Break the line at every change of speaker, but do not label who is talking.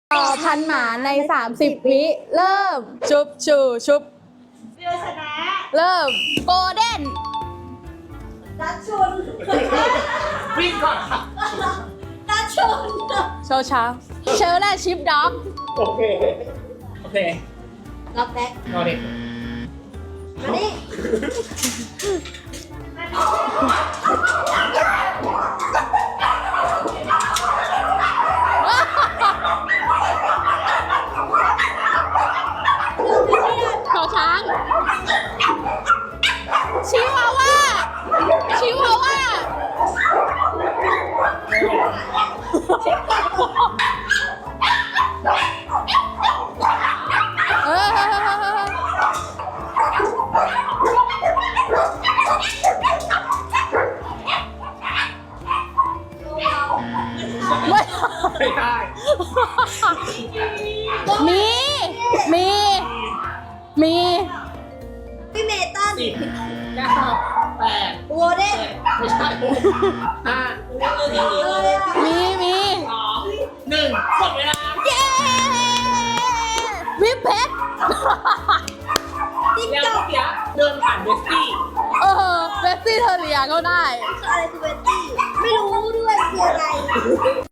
ต่อพันหมาใน30 วิเริ่มชุบชูชุบ
เรือชนะ
เริ่มโกลเด้น
ดัชชุน
วิ่งก่อนค่ะ
ดัชชุน
โชว์ช้าเชอร์และชิปด็อก
โอเค โอเค
ล็อกแบ็ค
เอาดิ
มานี่
ขอช้างชิวาว่าชิวาว่าไม่
ไม่ได้
มีมี
พี่เมตัน
10 9 8
โวเดน
7ไม่ใช่5
อะไรอ่ะ
มี
2 1หมดเวลา
เย้วิปเพชร
ติ๊ก
แล้ว
จ๊อก
เมื่อกี้เดินผ่านเวสตี้
เวสซี่เทอร์เรียก็ได้
อะไรคือเวตตี้ไม่รู้ด้วยคืออะไร